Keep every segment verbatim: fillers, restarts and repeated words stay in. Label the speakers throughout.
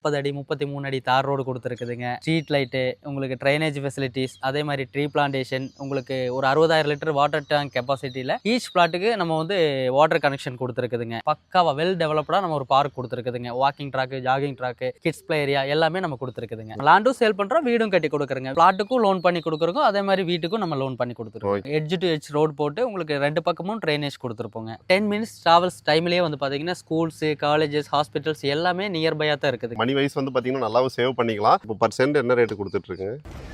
Speaker 1: முப்பது அடி முப்பத்தி மூணு அடி தார் ரோடு கொடுத்துருக்குதுங்க. ஸ்ட்ரீட் லைட்டு, உங்களுக்கு ட்ரைனேஜ் ஃபெசிலிட்டிஸ், அதே மாதிரி ட்ரீ பிளான்டேஷன், உங்களுக்கு ஒரு அறுபதாயிரம் லிட்டர் வாட்டர் டேங்க் கெப்பாசிட்டியில் ஈச் பிளாட்டுக்கு நம்ம வந்து வாட்டர் கனெக்ஷன் கொடுத்துருக்குதுங்க. பக்காவா வெல் டெவலப்டாக நம்ம ஒரு பார்க் கொடுத்துருக்குதுங்க. Walking track, jogging track, kids play area எல்லாமே நம்ம கொடுத்துருக்குதுங்க. லேண்டும் சேல் பண்ணுறோம், வீடும் கட்டி கொடுக்குறோங்க. பிளாட்டுக்கும் லோன் பண்ணி கொடுக்குறோம், அதே மாதிரி வீட்டுக்கும் நம்ம லோன் பண்ணி கொடுத்துருக்கோம். எட்ஜ் டு எட்ஜ் ரோடு போட்டு உங்களுக்கு ரெண்டு பக்கமும் ட்ரைனேஜ் கொடுத்துருப்போங்க. டென் மினிட்ஸ் டிராவல்ஸ் டைம்லேயே வந்து பார்த்தீங்கன்னா ஸ்கூல்ஸ், காலேஜஸ், ஹாஸ்பிட்டல்ஸ் எல்லாமே நியர்பையாக தான் இருக்குது.
Speaker 2: மணி வைஸ் வந்து பார்த்தீங்கன்னா நல்லாவும் சேவ் பண்ணிக்கலாம். இப்போ பர்சன்ட் என்ன ரேட்டு கொடுத்துட்ருக்கு?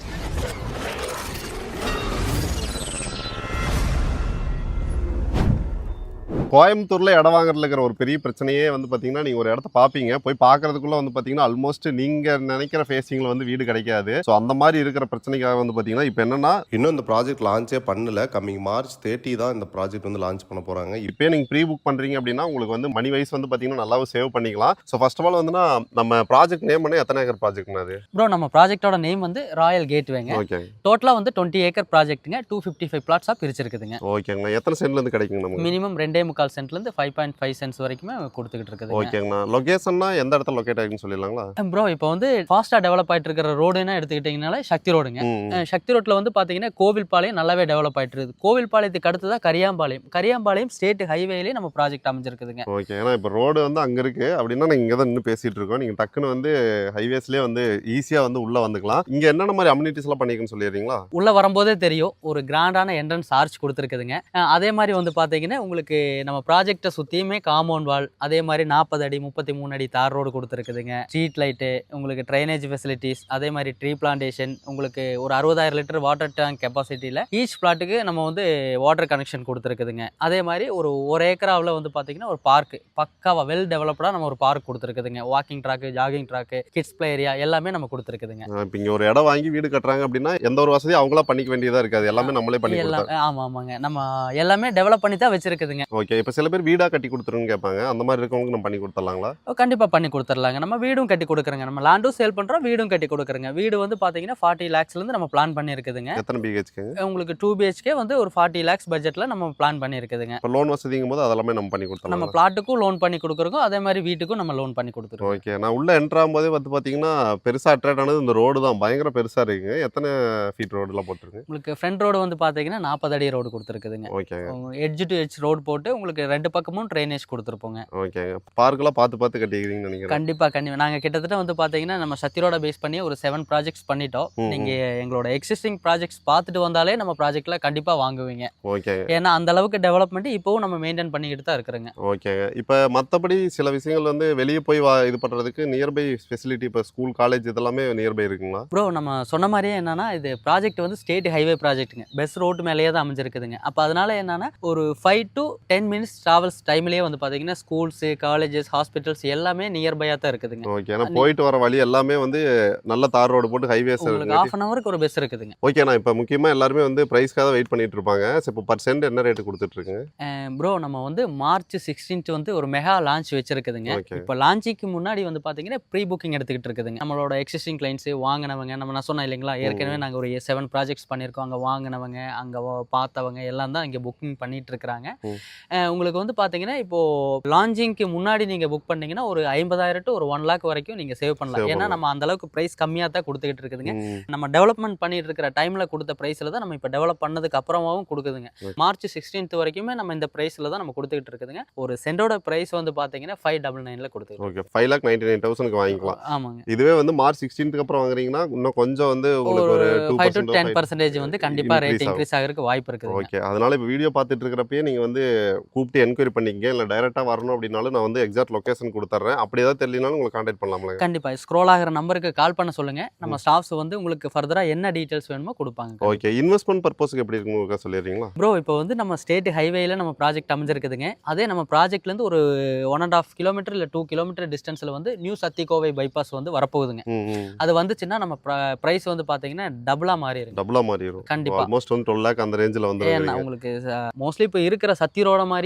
Speaker 2: கோயம்புத்தூர்ல இடம் வாங்குறதுல இருக்கிற ஒரு பெரிய பிரச்சனையே வந்து பார்த்தீங்கன்னா, நீங்கள் ஒரு இடத்த பார்ப்பீங்க, போய் பார்க்கறதுக்குள்ள வந்து பார்த்தீங்கன்னா ஆல்மோஸ்ட் நீங்கள் நினைக்கிற ஃபேஸிங்கில் வந்து வீடு கிடைக்காது. ஸோ அந்த மாதிரி இருக்கிற பிரச்சனைக்காக வந்து பார்த்தீங்கன்னா இப்போ என்னன்னா,
Speaker 3: இன்னும் இந்த ப்ராஜெக்ட் லான்ச்சே பண்ணல. கம்மிங் மார்ச் தேர்ட்டி தான் இந்த ப்ராஜெக்ட் வந்து லான்ச் பண்ண போகிறாங்க.
Speaker 2: இப்போ நீங்கள் ப்ரீ புக் பண்ணுறீங்க அப்படின்னா உங்களுக்கு வந்து மணி வைஸ் வந்து பார்த்தீங்கன்னா நல்லாவும் சேவ் பண்ணிக்கலாம். ஸோ ஃபர்ஸ்ட் ஆஃப் ஆல் வந்துன்னா நம்ம ப்ராஜெக்ட் நேம் பண்ணி எத்தனை ஏக்கர் ப்ராஜெக்ட்னா அது?
Speaker 1: ப்ரோ நம்ம ப்ராஜெக்டோட நேம் வந்து ராயல் கேட்வேங்க.
Speaker 2: ஓகே.
Speaker 1: டோட்டலாக வந்து டுவெண்ட்டி ஏக்கர் ப்ராஜெக்ட்டுங்க. டூ ஃபிஃப்டி ஃபைவ் பிளாட்ஸாக பிரிச்சிருக்குதுங்க.
Speaker 2: ஓகேங்கண்ணா. எத்தனை சென்ட்லேருந்து கிடைக்குங்க நமக்கு?
Speaker 1: மினிமம் ரெண்டே முக்கால் சென்ட்லேருந்து ஃபைவ் பாயிண்ட் ஃபைவ் சென்ட்ஸ் வரைக்குமே கொடுத்துக்கிட்டு இருக்குது.
Speaker 2: ஓகேங்கண்ணா. லொகேஷன்னா எந்த இடத்துல லொக்கேட் ஆகிருக்குன்னு சொல்லிடலாங்களா?
Speaker 1: ப்ரோ இப்போ வந்து ஃபாஸ்ட்டாக டெவலப் ஆகிட்டு இருக்கிற ரோடுன்னா எடுத்துக்கிட்டிங்கனால சக்தி ரோடுங்க. சக்தி ரோட்டில் வந்து பார்த்தீங்கன்னா கோவில்பாளையம் நல்லாவே டெவலப் ஆகிட்டு இருக்குது. கோவில்பாளையத்துக்கு அடுத்து தான் கரியாம்பாளையம். கரியாம்பாளையம் ஸ்டேட் ஹைவேலேயே நம்ம ப்ராஜெக்ட் அமைஞ்சிருக்குதுங்க.
Speaker 2: ஓகே. ஏன்னா இப்போ ரோடு வந்து அங்கே இருக்குது அப்படின்னா நீங்கள் இங்கே தான் இன்னும் பேசிகிட்டு இருக்கோம். நீங்கள் டக்குன்னு வந்து ஹைவேஸ்லேயே வந்து ஈஸியாக வந்து உள்ளே வந்துக்கலாம். இங்கே என்னென்ன மாதிரி அம்யூனிட்டிஸ்லாம் பண்ணியிருக்குன்னு சொல்லிடுறீங்களா?
Speaker 1: உள்ளே வரும்போதே தெரியும், ஒரு கிராண்டான என்ட்ரன்ஸ் ஆர்ச் கொடுத்துருக்குதுங்க. அதே மாதிரி வந்து பார்த்தீங்கன்னா உங்களுக்கு நம்ம ப்ராஜெக்டை சுற்றியுமே காம்பவுண்ட் வால், அதே மாதிரி நாற்பது அடி முப்பத்தி மூணு அடி தார் ரோடு கொடுத்துருக்குதுங்க. ஸ்ட்ரீட் லைட்டு, உங்களுக்கு ட்ரைனேஜ் ஃபெசிலிட்டிஸ், அதே மாதிரி ட்ரீ பிளான்டேஷன், உங்களுக்கு ஒரு அறுபதாயிரம் லிட்டர் வாட்டர் டேங்க் கெப்பாசிட்டியில் ஈச் பிளாட்டுக்கு நம்ம வந்து வாட்டர் கனெக்ஷன் கொடுத்துருக்குதுங்க. அதே மாதிரி ஒரு ஒரு ஏக்கராவில் வந்து பார்த்தீங்கன்னா ஒரு பார்க் பக்காவா வெல் டெவலப்டாக நம்ம ஒரு பார்க் கொடுத்துருக்குதுங்க. Walking track, jogging track, kids play area எல்லாமே நம்ம கொடுத்துருக்குதுங்க.
Speaker 2: இப்போ இங்கே ஒரு இடம் வாங்கி வீடு கட்டுறாங்க அப்படின்னா எந்த ஒரு வசதியும் அவங்களா பண்ணிக்க வேண்டியதாக இருக்காது, எல்லாமே நம்மளே பண்ணி
Speaker 1: எல்லாம். ஆமாம் ஆமாங்க, நம்ம எல்லாமே டெவலப் பண்ணி தான் வச்சிருக்குதுங்க.
Speaker 2: ஓகே. இப்போ சில பேர் வீடாக கட்டி கொடுத்துருன்னு கேட்பாங்க, அந்த மாதிரி இருக்கவங்களுக்கு நம்ம பண்ணி கொடுத்துடலாங்களா?
Speaker 1: கண்டிப்பாக பண்ணி கொடுத்துடலாங்க. நம்ம வீடும் கட்டி கொடுக்குறோங்க. நம்ம லேண்டும் சேல் பண்ணுறோம், வீடும் கட்டி கொடுக்குறோங்க. வீடு வந்து பார்த்தீங்கன்னா ஃபார்ட்டி லேக்ஸ்லேருந்து நம்ம பிளான் பண்ணியிருக்குதுங்க.
Speaker 2: எத்தனை பிஹெச்கேங்க?
Speaker 1: உங்களுக்கு டூ பிஹெச்கே வந்து ஒரு ஃபார்ட்டி லேக்ஸ் பட்ஜெட்டில் நம்ம பிளான் பண்ணியிருக்குதுங்க.
Speaker 2: இப்போ லோன் வசதிங்கும் போது அதெல்லாமே நம்ம பண்ணி கொடுத்துடலாம்.
Speaker 1: நம்ம பிளாட்டுக்கும் லோன் பண்ணி கொடுக்குறோம், அதே மாதிரி வீட்டுக்கும் நம்ம லோன் பண்ணி கொடுத்துருவோம்.
Speaker 2: ஓகே. நான் உள்ள என்ட்ரு ஆகும்போதே வந்து பார்த்தீங்கன்னா பெருசாக அட்ராக்ட் ஆனது இந்த ரோடு தான். பயங்கர பெருசாக இருக்குங்க. எத்தனை ஃபீட் ரோடுலாம் போட்டுருக்கு?
Speaker 1: உங்களுக்கு ஃப்ரண்ட் ரோடு வந்து பார்த்தீங்கன்னா நாற்பது அடி ரோடு கொடுத்துருக்குதுங்க.
Speaker 2: Okay.
Speaker 1: Edge to edge road போட்டு உங்களுக்கு ரெண்டு பக்கமும் ட்ரைனேஜ் கொடுத்துருப்போங்க.
Speaker 2: ஓகே. பார்க்கெல்லாம் பார்த்து பார்த்து கட்டிக்கிறீங்கன்னு நினைக்கிறேன்.
Speaker 1: கண்டிப்பாக கண்டிப்பாக நாங்கள் கிட்டத்தட்ட வந்து பார்த்தீங்கன்னா நம்ம சத்திரோட பேஸ் பண்ணி ஒரு செவன் ப்ராஜெக்ட்ஸ் பண்ணிட்டோம். நீங்கள் எங்களோட எக்ஸிஸ்டிங் ப்ராஜெக்ட்ஸ் பார்த்துட்டு வந்தாலே நம்ம ப்ராஜெக்டில் கண்டிப்பாக வாங்குவீங்க.
Speaker 2: ஓகே.
Speaker 1: ஏன்னா அந்த அளவுக்கு டெவலப்மெண்ட் இப்போவும் நம்ம மெயின்டைன் பண்ணிக்கிட்டு தான் இருக்கிறோங்க.
Speaker 2: ஓகேங்க. இப்போ மற்றபடி சில விஷயங்கள் வந்து வெளியே போய் வா இது பண்ணுறதுக்கு நியர்பை ஃபெசிலிட்டி, இப்போ ஸ்கூல், காலேஜ் இதெல்லாமே நியர்பை இருக்குங்களா?
Speaker 1: ப்ரோ நம்ம சொன்ன மாதிரியே என்னன்னா இது ப்ராஜெக்ட் வந்து ஸ்டேட் ஹைவே ப்ராஜெக்ட்டுங்க. பெஸ் ரோட்டு மேலேயே தான் அமைஞ்சிருக்குதுங்க. அப்போ அதனால என்னன்னா ஒரு five to ten minutes travels டைம்லேயே வந்து பார்த்தீங்கன்னா ஸ்கூல்ஸு, காலேஜஸ், ஹாஸ்பிட்டல்ஸ் எல்லாமே நியர்பையாக தான் இருக்குதுங்க.
Speaker 2: ஓகே. ஏன்னா போயிட்டு வர வழி எல்லாமே வந்து நல்ல தார் ரோடு போட்டு ஹைவேஸ்
Speaker 1: உங்களுக்கு ஹாஃப் அன் ஹவருக்கு ஒரு பஸ் இருக்குதுங்க.
Speaker 2: ஓகே. நான் இப்போ முக்கியமாக எல்லாருமே வந்து ப்ரைஸ்க்காக தான் வெயிட் பண்ணிட்டு இருப்பாங்க. ஸோ இப்போ பர்சன்ட் என்ன ரேட்டு கொடுத்துட்ருக்குங்க?
Speaker 1: ப்ரோ நம்ம வந்து மார்ச் சிக்ஸ்டீன்த் வந்து ஒரு மெகா லான்ச் வச்சிருக்குதுங்க. இப்போ லான்ச்சுக்கு முன்னாடி வந்து பார்த்தீங்கன்னா ப்ரீ புக்கிங் எடுத்துக்கிட்டு இருக்குதுங்க. நம்மளோட எக்ஸிஸ்டிங் கிளைண்ட்ஸு வாங்கினவங்க, நம்ம நான் சொன்னேன் இல்லைங்களா ஏற்கனவே நாங்கள் ஒரு செவன் ப்ராஜெக்ட்ஸ் பண்ணியிருக்கோம். அங்கே வாங்கினவங்க, அங்கே பார்த்தவங்க எல்லாம் தான் இங்கே புக்கிங் பண்ணிட்டு இருக்கிறாங்க. உங்களுக்கு வந்து பார்த்தீங்கன்னா இப்போது லான்ச்சிங்க்கு முன்னாடி நீங்கள் புக் பண்ணீங்கன்னா ஒரு ஐம்பதாயிரம் டு ஒரு ஒன் லேக் வரைக்கும் நீங்கள் சேவ் பண்ணலாம். ஏன்னா நம்ம அந்த அளவுக்கு ப்ரைஸ் கம்மியாக தான் கொடுத்துக்கிட்டு இருக்குதுங்க. நம்ம டெவலப்மெண்ட் பண்ணிட்டு இருக்கிற டைமில் கொடுத்த ப்ரைஸில் தான் நம்ம இப்போ டெவலப் பண்ணதுக்கு அப்புறமாவும் கொடுக்குதுங்க. மார்ச் சிக்ஸ்டீன்த் வரைக்குமே நம்ம இந்த ப்ரைஸில் தான் நம்ம கொடுத்துக்கிட்டு இருக்குதுங்க. ஒரு சென்டோட ப்ரைஸ் வந்து பார்த்தீங்கன்னா ஃபைவ் டபுள் நைனில் கொடுத்துருக்கு.
Speaker 2: Okay. Five lakh ninety nine தௌசண்ட்க்கு வாங்கிக்கலாம்.
Speaker 1: ஆமாங்க.
Speaker 2: இதுவே வந்து மார்ச் சிக்ஸ்டீன்த்துக்கு அப்புறம் வாங்குறீங்கன்னா இன்னும் கொஞ்சம் வந்து உங்களுக்கு ஒரு
Speaker 1: ஃபைவ் டு டென் பர்சன்டேஜ் வந்து கண்டிப்பாக ரேட் இன்க்ரீஸ் ஆகிறதுக்கு வாய்ப்பு இருக்குது.
Speaker 2: ஓகே. அதனால இப்போ வீடியோ பார்த்துட்டு இருக்கிறப்பயே நீங்கள் வந்து கூப்பிட்டு என்கொயரி பண்ணிக்கங்க. இல்லை டைரெக்டாக வரணும் அப்படின்னாலும் நான் வந்து எக்ஸாக்ட் லொகேஷன் கொடுத்துட்றேன். அப்படி ஏதாவது தெரியலனாலும் உங்களுக்கு கான்டாக்ட் பண்ணலாம்ல?
Speaker 1: கண்டிப்பாக ஸ்க்ரோல் ஆகிற நம்பருக்கு கால் பண்ண சொல்லுங்க. நம்ம ஸ்டாஃப்ஸ் வந்து உங்களுக்கு ஃபர்தராக என்ன டீட்டெயில்ஸ் வேணுமோ கொடுப்பாங்க.
Speaker 2: ஓகே. இன்வெஸ்ட்மெண்ட் பர்பஸ்க்கு எப்படி இருக்குன்னு சொல்லிடுறீங்களா?
Speaker 1: ப்ரோ இப்போ வந்து நம்ம ஸ்டேட் ஹைவேல நம்ம ப்ராஜெக்ட் அமைஞ்சிருக்குதுங்க. அதே நம்ம ப்ராஜெக்ட்லேருந்து ஒரு ஒன் அண்ட் ஆஃப் கிலோமீட்டர் இல்லை டூ கிலோமீட்டர் டிஸ்டன்ஸில் வந்து நியூ சத்திகோவை பைபாஸ் வந்து வரப்போகுதுங்க. அது வந்துச்சுன்னா நம்ம ப்ரைஸ் வந்து பார்த்தீங்கன்னா டபுளாக மாறிடும்.
Speaker 2: டபுளாக மாறிடும்.
Speaker 1: கண்டிப்பாக.
Speaker 2: ஆல்மோஸ்ட் வந்து டுவெல் லேக் அந்த ரேஞ்சில் வந்து
Speaker 1: ஏன்னா உங்களுக்கு மோஸ்ட்லி இப்போ இருக்கிற சத்தி ரோட மாதிரி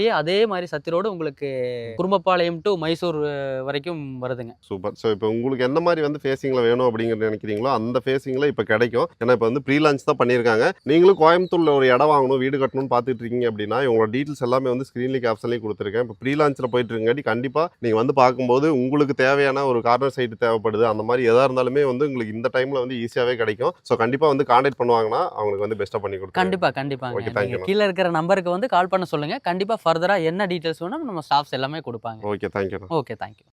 Speaker 1: மாதிரியே அதே மாதிரி சத்தி ரோடு உங்களுக்கு குறும்பப்பாளையம் டு மைசூர் வரைக்கும் வருதுங்க.
Speaker 2: சூப்பர். ஸோ இப்போ உங்களுக்கு எந்த மாதிரி வந்து ஃபேஸிங்கில் வேணும் அப்படிங்கிறது நினைக்கிறீங்களோ அந்த ஃபேஸிங்கில் இப்போ கிடைக்கும். ஏன்னா இப்போ வந்து ப்ரீ லான்ச் தான் பண்ணியிருக்காங்க. நீங்களும் கோயம்புத்தூரில் ஒரு இடம் வாங்கணும், வீடு கட்டணும்னு பார்த்துட்டு இருக்கீங்க அப்படின்னா இவங்களோட டீட்டெயில்ஸ் எல்லாமே வந்து ஸ்க்ரீன்லேயே கேப்ஷன்லேயும் கொடுத்துருக்கேன். இப்போ ப்ரீ லான்ச்சில் போயிட்டு இருக்காட்டி கண்டிப்பாக நீங்கள் வந்து பார்க்கும்போது உங்களுக்கு தேவையான ஒரு கார்னர் சைட்டு தேவைப்படுது, அந்த மாதிரி எதாக இருந்தாலுமே வந்து உங்களுக்கு இந்த டைமில் வந்து ஈஸியாகவே கிடைக்கும். ஸோ கண்டிப்பாக வந்து கான்டாக்ட் பண்ணுவாங்கன்னா அவங்களுக்கு வந்து பெஸ்ட்டாக பண்ணி கொடுக்கும்.
Speaker 1: கண்டிப்பாக கண்டிப்பாக
Speaker 2: ஓகே, தேங்க்யூ.
Speaker 1: கீழே இருக்கிற நம்பருக்கு வந்து கால் பண்ண சொல்லுங்கள். கண்டிப்பாக ஃபர்தராக என்ன டீட்டெயில்ஸ் வேணும் நம்ம ஸ்டாஃப்ஸ் எல்லாமே கொடுப்பாங்க.
Speaker 2: Okay, thank you.
Speaker 1: Okay, thank you.